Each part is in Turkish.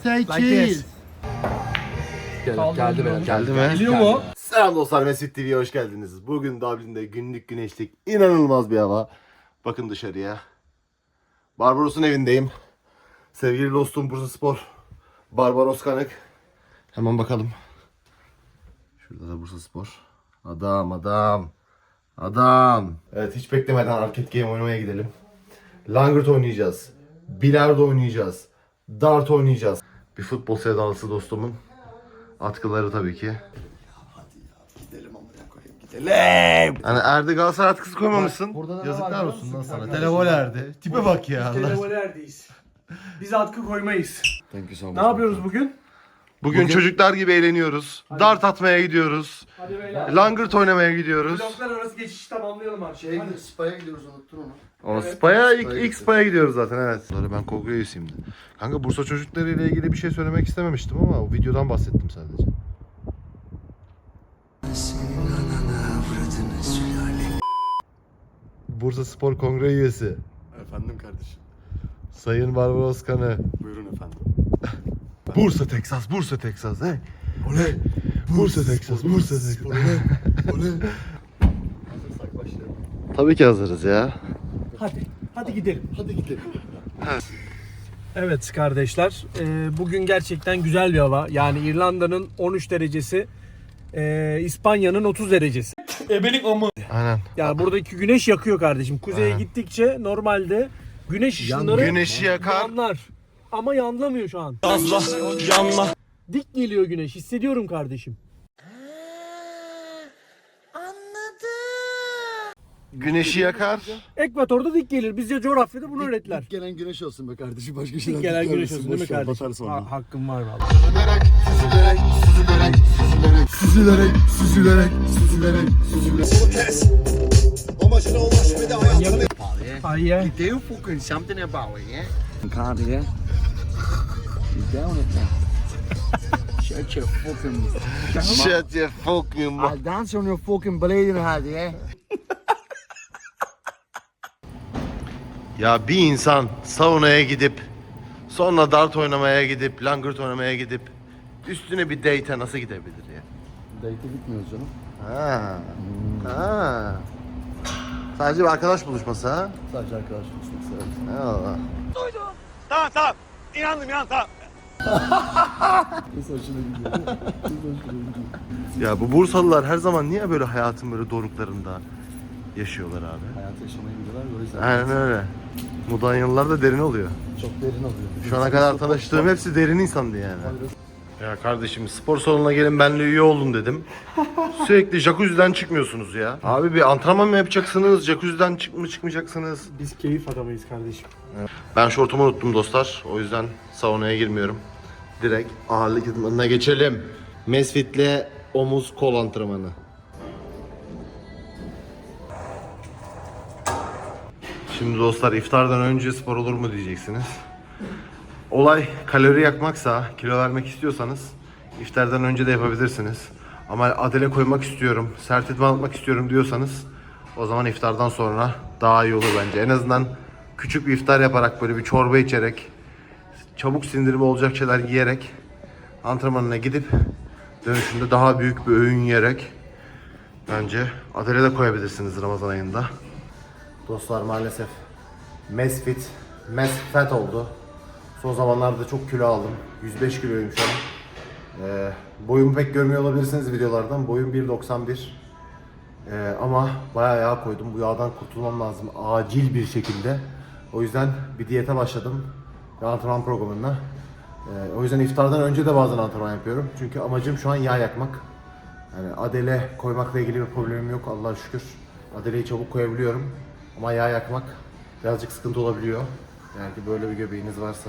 8. Geldi mi? Geliyor mu? Selam dostlar, Mesut TV'ye hoş geldiniz. Bugün Dublin'de günlük güneşlik inanılmaz bir hava. Bakın dışarıya. Barbaros'un evindeyim. Sevgili dostum Bursaspor Barbaros Kanık. Hemen bakalım. Şurada da Bursaspor. Adam. Evet, hiç beklemeden arcade game oynamaya gidelim. Langırt oynayacağız. Bilardo oynayacağız. Dart oynayacağız. Bir futbol sevdalısı dostumun atkıları tabii ki. Hani Erdi Galatasaray atkısı koymamışsın. Yazıklar olsun lan sana. Televol erdi. Tipe bak ya. Televolerdeyiz. Biz atkı koymayız. Thank you so much. Ne yapıyoruz bugün? Bugün çocuklar gibi eğleniyoruz. Dart atmaya gidiyoruz. Hadi beyler. Langırt oynamaya gidiyoruz. Bloklar arası geçişi tamamlayalım artık. Hadi. Spa'ya gidiyoruz, unuttun onu. O Spa'ya ilk Spa'ya gidiyoruz zaten, evet. Ben kongre üyesiyim. Kanka Bursa çocukları ile ilgili bir şey söylemek istememiştim ama o videodan bahsettim sadece. Bursa Spor Kongre üyesi Efendim kardeşim. Sayın Barbaros Kanı. Buyurun efendim. Bursa Texas, he. Oley. Bursa Texas. Hazırsak başlayalım. Tabii ki hazırız ya. Hadi gidelim. Evet kardeşler, bugün gerçekten güzel bir hava. Yani İrlanda'nın 13 derecesi, İspanya'nın 30 derecesi. Ebelik amı. Aynen. Yani buradaki güneş yakıyor kardeşim. Kuzeye Aynen. gittikçe normalde güneş ışınları Güneşi yakar. yanlar. Ama yanlamıyor şu an. Yanla. Dik geliyor güneş. Hissediyorum kardeşim. Güneşi yakar. Ekvatorda dik gelir. Bizce coğrafyada bunu öğrettiler. Gelen güneş olsun be kardeşim, başka şeyler. Dik gelen güneş olsun değil mi Boş ver, kardeşim? batarız sonra. Hakkım var valla. Süzülerek. Hayır. Do fucking something about it, yeah? Can't, yeah? You down it now. Shut your fucking... Shut your fucking mouth. I'll dance on your fucking bleeding head, yeah? Ya bir insan saunaya gidip sonra dart oynamaya gidip langırt oynamaya gidip üstüne bir date'e nasıl gidebilir ya? Date'e gitmiyoruz canım. Ha. Sadece bir arkadaş buluşması ha? Sadece arkadaş buluşması, evet. Eyvallah. Kız hoşuna gidiyor. Kız hoşuna gidiyor. Ya bu Bursalılar her zaman niye böyle hayatın böyle doruklarında yaşıyorlar abi? Hayatı yaşamaya gidiyorlar, o yüzden. Aynen öyle. Mudanyalılar da derin oluyor. Çok derin oluyor. Şu ana kadar tanıştığım hepsi derin insandı yani. Ya kardeşim spor salonuna gelin benimle üye olun dedim. Sürekli jacuzzi'den çıkmıyorsunuz ya. Abi bir antrenman mı yapacaksınız? Jacuzzi'den çıkmayacaksınız? Biz keyif adamıyız kardeşim. Ben şortumu unuttum dostlar. O yüzden saunaya girmiyorum. Direkt ağırlık idmanına geçelim. Mesfit'le omuz kol antrenmanı. Şimdi dostlar iftardan önce spor olur mu diyeceksiniz. Olay kalori yakmaksa, kilo vermek istiyorsanız iftardan önce de yapabilirsiniz. Ama adele koymak istiyorum, sert idman atmak istiyorum diyorsanız o zaman iftardan sonra daha iyi olur bence. En azından küçük bir iftar yaparak böyle bir çorba içerek, çabuk sindirimi olacak şeyler yiyerek antrenmanına gidip dönüşünde daha büyük bir öğün yiyerek bence adele de koyabilirsiniz Ramazan ayında. Dostlar maalesef Mesfet oldu. Son zamanlarda çok kilo aldım. 105 kiloyum şu an. Boyumu pek görmüyor olabilirsiniz videolardan. Boyum 1.91. Ama bayağı yağ koydum. Bu yağdan kurtulmam lazım acil bir şekilde. O yüzden bir diyete başladım. Bir antrenman programına. O yüzden iftardan önce de bazen antrenman yapıyorum. Çünkü amacım şu an yağ yakmak. Yani adele koymakla ilgili bir problemim yok Allah'a şükür. Adeleyi çabuk koyabiliyorum. Ama yağ yakmak birazcık sıkıntı olabiliyor. Yani ki böyle bir göbeğiniz varsa.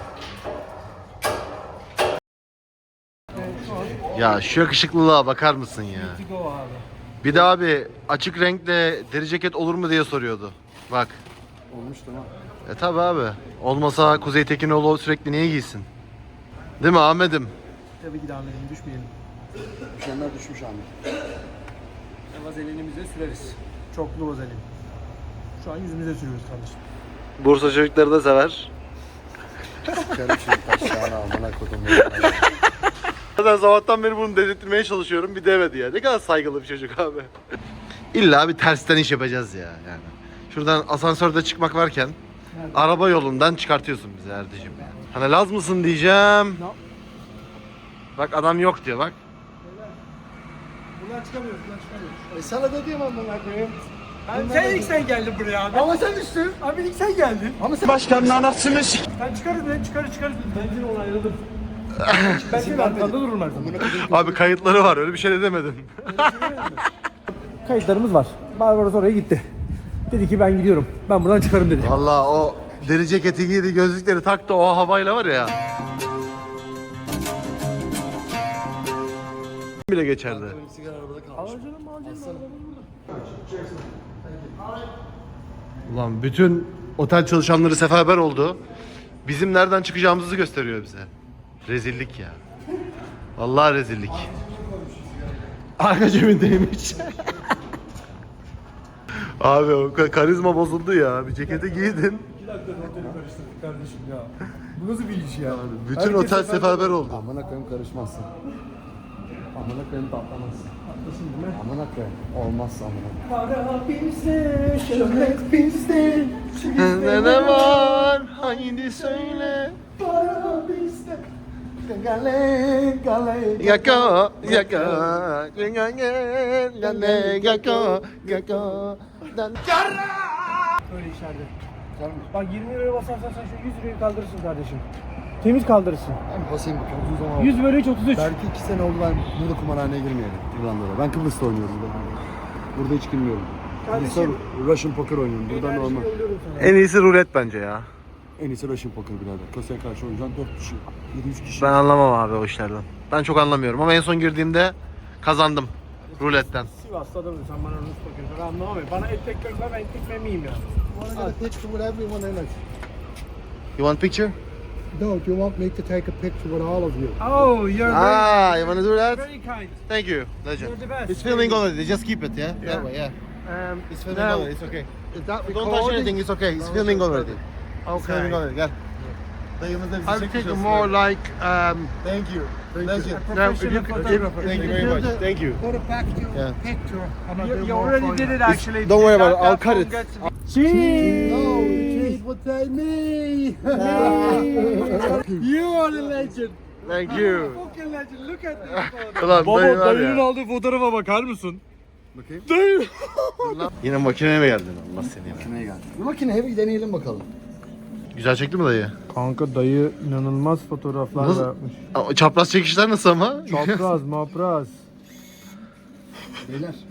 Ya şu yakışıklılığa bakar mısın ya? Go abi. Bir de abi açık renkle deri ceket olur mu diye soruyordu. Bak. Olmuş tamam. Tabi abi. Olmasa Kuzey Tekinoğlu sürekli niye giysin? Değil mi Ahmet'im? Tabii ki devam edelim, düşmeyelim. Düşenler düşmüş Ahmet. Vazelinimize süreriz. Çoklu vazelin. Şu an yüzümüze sürüyoruz kardeşim. Bursa çocukları da sever. Karışım taşlarına amına kodum. Zaten sabahtan beri bunu dedirtmeye çalışıyorum. Bir demedi ya. Ne kadar saygılı bir çocuk abi. İlla bir tersten iş yapacağız ya yani. Şuradan asansörde çıkmak varken araba yolundan çıkartıyorsun bizi Erdicim. Hani Laz mısın diyeceğim. Bak adam yok diyor bak. Buradan çıkamıyoruz, buradan çıkamıyoruz. Sana da diyeyim amına koyayım. Sen geldin buraya abi. Ama sen düştün. Abi ilk sen geldin. Ama sen Başkanın anasını s***. Sen çıkarız be, çıkarız. Ben yine onayladım. Ben senin arkanda dururum her zaman. Abi kayıtları var öyle bir şey de demedim. Kayıtlarımız var. Barbaros oraya gitti. Dedi ki ben gidiyorum. Ben buradan çıkarım dedi. Valla o deri ceketi giydi gözlükleri taktı o havayla var ya. Bile geçerdi. sigara arabada kalmış. Ulan bütün otel çalışanları seferber oldu. Bizim nereden çıkacağımızı gösteriyor bize. Rezillik ya. Vallahi rezillik. Arka cebindeymiş. Abi o karizma bozuldu ya. Bir ceketi giydin. 2 dakika oteli karıştırdık kardeşim ya. Bu nasıl bir iş ya? Bütün Herkes otel seferber oldu. Amına koyayım karışmazsın. Amına koyayım patlamazsın. Haklısın değil mi? Amına koyayım. Olmazsa amına. Para bizde, şöhret bizde. Ne var? Haydi söyle. Para bizde. Gale gale. Yaka, yaka, yaka, yaka. Öyle işlerde. Bak 20 liraya basarsan sen şu 100 lirayı kaldırırsın kardeşim. Temiz kaldırırsın. Ben basayım bakalım. Uzun zaman oldu. 100 bölü 3 33. Belki 2 sene oldu ben burada kumarhaneye girmeyelim İrlanda'da. Ben Kıbrıs'ta oynuyorum. Burada hiç girmiyorum. Kıbrıs'ta Russian Poker oynuyorum. Burada normal. En iyisi rulet bence ya. En iyisi Russian Poker birader. Köse'ye karşı oynayacaksın 4 kişi. 7-3 kişi. Ben anlamam abi o işlerden. Ben çok anlamıyorum ama en son girdiğimde kazandım ruletten. Sivas'ta adamım sen bana Rus bakıyorsun. Ben anlamam ya. Bana et tek ver ben tek memeyim ya. I want to get a picture with everyone in it. You want picture? No, do you want me to take a picture with all of you? Oh, you're Ah, you wanna do that? very kind. Thank you, legend. You're the best. It's filming already. Just keep it, yeah. Yeah. That way, yeah. It's filming now- already. It's okay. Is that Don't touch anything. It's okay. It's filming already. It's filming Okay. already. Gel. Dayımızla bizi I'm çekmiş taking olsun. more like Thank you. Legend. Professional photographer. Thank you very much. Thank you. Go to back to Yeah. picture and I'll do You more already for did you. it actually. Don't worry about it. I'll That cut phone it. gets- No, Cheese. Jade would say me. You are the legend. Thank you. Fucking legend. Look at this photo. Ulan Baba dayı var dayının ya. aldığı fotoğrafa bakar mısın? Bakayım. Dayı. Yine makineye mi geldin? Allah seni ya. Makineye geldi. Bir makineye bir deneyelim bakalım. Güzel çekti mi dayı? Kanka dayı inanılmaz fotoğraflar Nasıl? yapmış. Aa, çapraz çekişler nasıl ama? Çapraz, mapraz. Beyler.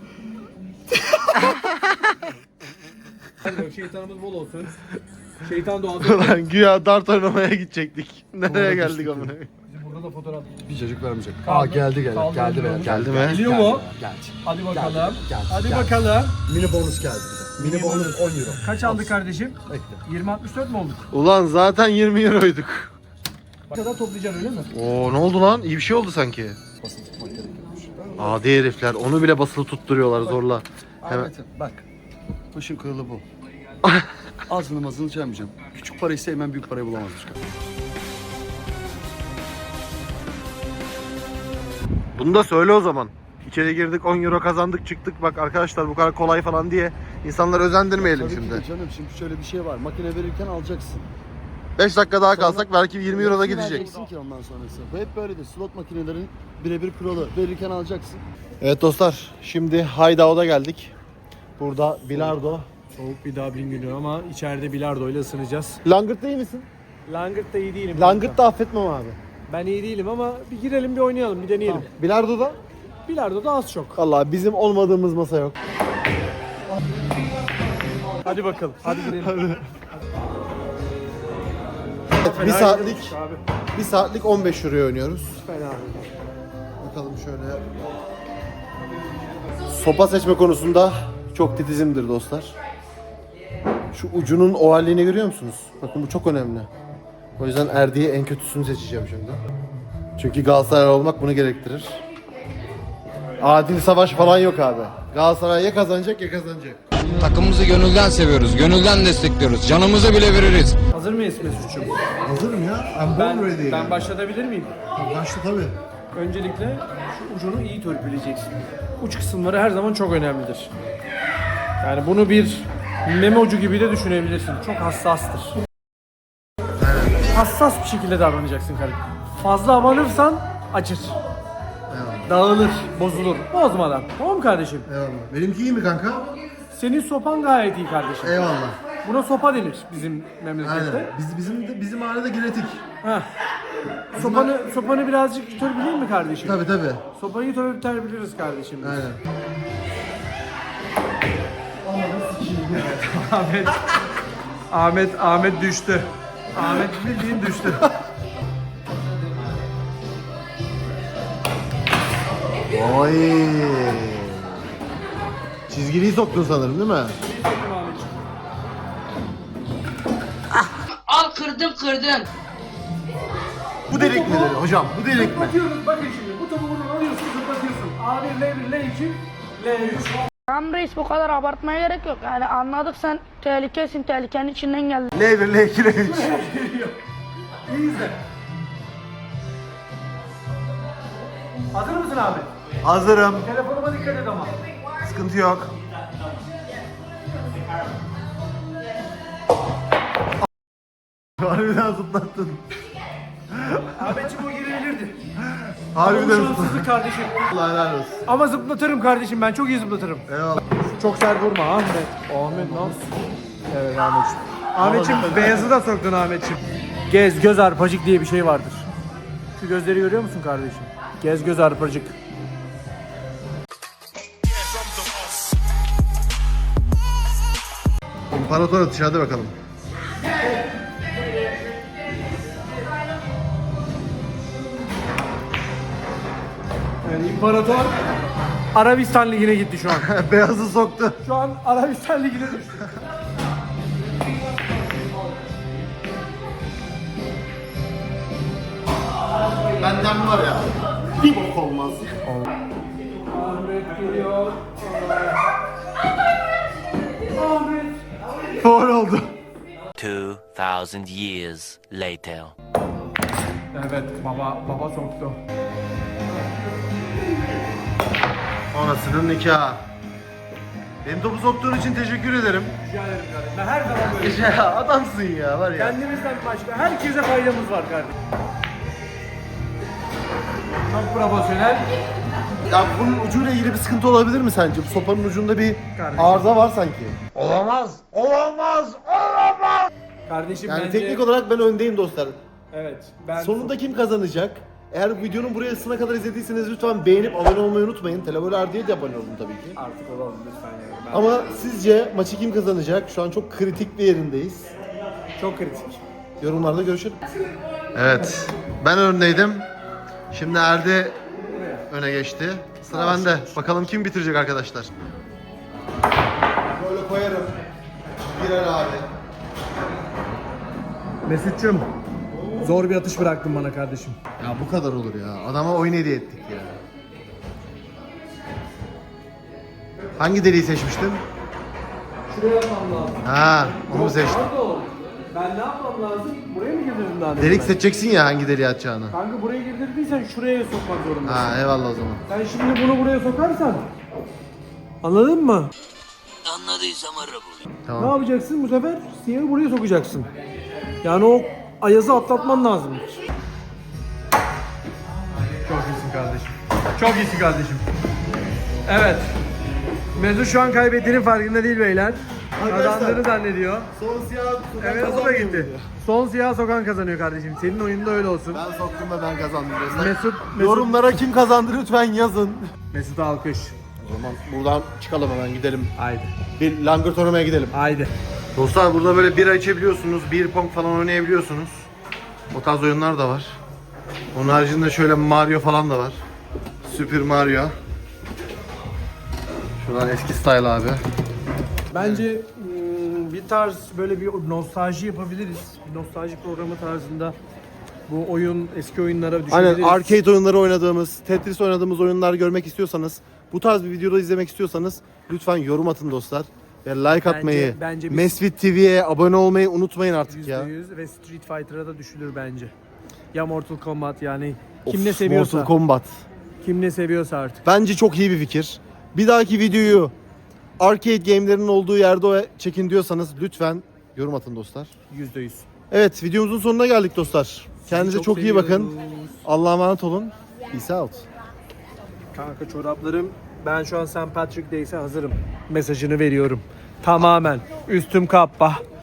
Şeytanımız bol olsun. Şeytan doğada. Ulan güya dart oynamaya gidecektik. Nereye geldik amına? Bizim burada da fotoğraf. Bir çocuk vermeyecek. Kaldı. Aa geldi Kaldı. geldi beyler. Geldi mi? Geliyor mu? Geldi. Hadi bakalım. Geldi. Hadi Geldi. bakalım. Mini bonus geldi bize. Mini bonus 10 euro. Kaç aldık kardeşim? Bekle. 20-64 mi olduk? Ulan zaten 20 euroyduk. Ne kadar toplayacaksın öyle mi? Oo ne oldu lan? İyi bir şey oldu sanki. Basın tutmak gerekiyormuş. Adi herifler onu bile basılı tutturuyorlar zorla. Hemen. Ahmet'im bak. Başın kırılı bu. Ağzını mazını çelmeyeceğim. Küçük parayı sevmem büyük parayı bulamazmış. Bunu da söyle o zaman. İçeri girdik 10 euro kazandık çıktık. Bak arkadaşlar bu kadar kolay falan diye insanları özendirmeyelim Tabii ki şimdi. de canım şimdi şöyle bir şey var. Makine verirken alacaksın. 5 dakika daha kalsak belki 20 euro da Hepsini gidecek. vereceksin ki ondan sonrası. Bu hep böyledir. Slot makinelerin birebir kuralı. Verirken alacaksın. Evet dostlar şimdi Hideout'a geldik. Burada bilardo. Soğuk bir Dublin günü ama içeride bilardo ile ısınacağız. Langırt'ta iyi misin? Langırt'ta iyi değilim. Langırt'ta affetmem abi. Ben iyi değilim ama bir girelim bir oynayalım bir deneyelim. Bilardo'da? Bilardo da az çok. Vallahi bizim olmadığımız masa yok. Hadi bakalım. Hadi girelim. Bir saatlik Abi. 1 saatlik 15 euroya oynuyoruz. Fena. Bakalım şöyle. Sopa seçme konusunda çok titizimdir dostlar. Şu ucunun ovalliğini görüyor musunuz? Bakın bu çok önemli. O yüzden Erdi'ye en kötüsünü seçeceğim şimdi. Çünkü Galatasaray olmak bunu gerektirir. Adil savaş falan yok abi. Galatasaray ya kazanacak ya kazanacak. Takımımızı gönülden seviyoruz, gönülden destekliyoruz. Canımızı bile veririz. Hazır mıyız Mesut'cum? Hazırım ya. I'm born ready. Ben başlatabilir miyim? Başla tabii. Öncelikle şu ucunu iyi törpüleyeceksin. Uç kısımları her zaman çok önemlidir. Yani bunu bir meme ucu gibi de düşünebilirsin. Çok hassastır. Hassas bir şekilde davranacaksın kardeşim. Fazla abanırsan acır. Dağılır, bozulur. Bozmadan. Tamam mı kardeşim? Eyvallah. Benimki iyi mi kanka? Senin sopan gayet iyi kardeşim. Eyvallah. Buna sopa denir bizim memlekette. Aynen. Bizim mahallede ginetik. Heh. Sopanı birazcık törpüleyeyim mi kardeşim? Tabii. Sopayı törpüleriz kardeşim. biz. Aynen. Ahmet düştü. Ahmet bildiğin düştü. Oy. Çizgiliyi soktun sanırım değil mi? Al kırdın. Bu delik midir hocam? Bu delik mi? Zıplatıyoruz bakın şimdi. Bu topu buradan alıyorsun zıplatıyorsun. A1, L1, L2, L3. Tamam reis bu kadar abartmaya gerek yok. Yani anladık sen tehlikesin, tehlikenin içinden geldin. L1, L2, L3. İyi izle. Hazır mısın abi? Hazırım. Telefonuma dikkat et ama. Sıkıntı yok. Harbiden zıplattın. Ahmetciğim o girebilirdi. Harbiden zıplattın. Şanssızlık kardeşim. Allah helal olsun. Ama zıplatırım kardeşim ben çok iyi zıplatırım. Eyvallah. Çok sert vurma Ahmet. Ahmet ne yapsın? Evet Ahmetciğim. Ahmetciğim beyazı da soktun Ahmetciğim. Gez göz arpacık diye bir şey vardır. Şu gözleri görüyor musun kardeşim? Gez göz arpacık. İmparator atışı hadi bakalım. Yani İmparator Arabistan Ligi'ne gitti şu an. Beyazı soktu. Şu an Arabistan Ligi'ne düştü. Benden var ya. Bir bok olmaz. Ahmet geliyor. Ahmet. Doğru oldu. 2,000 years later. Evet baba soktu. Anasının nikahı. Benim topu soktuğun için teşekkür ederim. Rica ederim kardeşim. Ben her zaman böyle. Ya adamsın ya var ya. Kendimizden başka herkese faydamız var kardeşim. Çok profesyonel. Ya bunun ucuyla ilgili bir sıkıntı olabilir mi sence? Bu sopanın ucunda bir Kardeşim. arıza var sanki. Kardeşim Yani bence... teknik olarak ben öndeyim dostlar. Evet. Ben Sonunda kim kazanacak? Eğer videonun burasına kadar izlediyseniz lütfen beğenip abone olmayı unutmayın. Televol diye de abone olun tabii ki. Artık olalım lütfen yani. Ben Ama sizce maçı kim kazanacak? Şu an çok kritik bir yerindeyiz. çok kritik. Yorumlarda görüşelim. Evet. Ben öndeydim. Şimdi Erdi öne geçti. Sıra bende. Bakalım kim bitirecek arkadaşlar. Böyle koyarım. Girer abi. Mesut'cum zor bir atış bıraktın bana kardeşim. Ya bu kadar olur ya. Adama oyun hediye ettik ya. Hangi deliği seçmiştin? Şuraya yapmam lazım. Ha, onu mu seçtin? Pardon. Ben ne yapmam lazım? Buraya mı girdirdin daha demin? Delik seçeceksin ya hangi deliği atacağını. Kanka buraya girdirdiysen şuraya sokmak zorundasın. Ha, eyvallah o zaman. Sen şimdi bunu buraya sokarsan anladın mı? Anladıysam ara bunu. Ne Tamam. yapacaksın bu sefer? Siyahı buraya sokacaksın. Yani o ayazı atlatman lazım. Çok iyisin kardeşim. Çok iyisin kardeşim. Evet. Mesut şu an kaybettiğinin farkında değil beyler. Kazandığını zannediyor. Son siyah Evet o da gitti. Son siyah sokan kazanıyor kardeşim. Senin oyunda öyle olsun. Ben soktum ve ben kazandım dostlar. Mesut Yorumlara kim kazandı lütfen yazın. Mesut alkış. O zaman buradan çıkalım hemen gidelim. Haydi. Bir langırt oynamaya gidelim. Haydi. Dostlar burada böyle bira içebiliyorsunuz, bir pong falan oynayabiliyorsunuz. O tarz oyunlar da var. Onun haricinde şöyle Mario falan da var. Super Mario. Şuradan eski style abi. Bence bir tarz böyle bir nostalji yapabiliriz. Bir nostalji programı tarzında bu oyun eski oyunlara düşebiliriz. Aynen arcade oyunları oynadığımız, Tetris oynadığımız oyunlar görmek istiyorsanız, bu tarz bir videoda izlemek istiyorsanız lütfen yorum atın dostlar. like atmayı, bence biz- Mesfit TV'ye abone olmayı unutmayın artık ya. %100 ve Street Fighter'a da düşülür bence. Ya Mortal Kombat yani kim ne seviyorsa. Mortal Kombat. Kim ne seviyorsa artık. Bence çok iyi bir fikir. Bir dahaki videoyu arcade game'lerin olduğu yerde çekin diyorsanız lütfen yorum atın dostlar. %100. Evet, videomuzun sonuna geldik dostlar. Kendinize çok iyi bakın. seviyoruz. Allah'a emanet olun. Peace out. Kanka çoraplarım, ben şu an St. Patrick Day'se hazırım. Mesajını veriyorum. Tamamen. Üstüm kappa.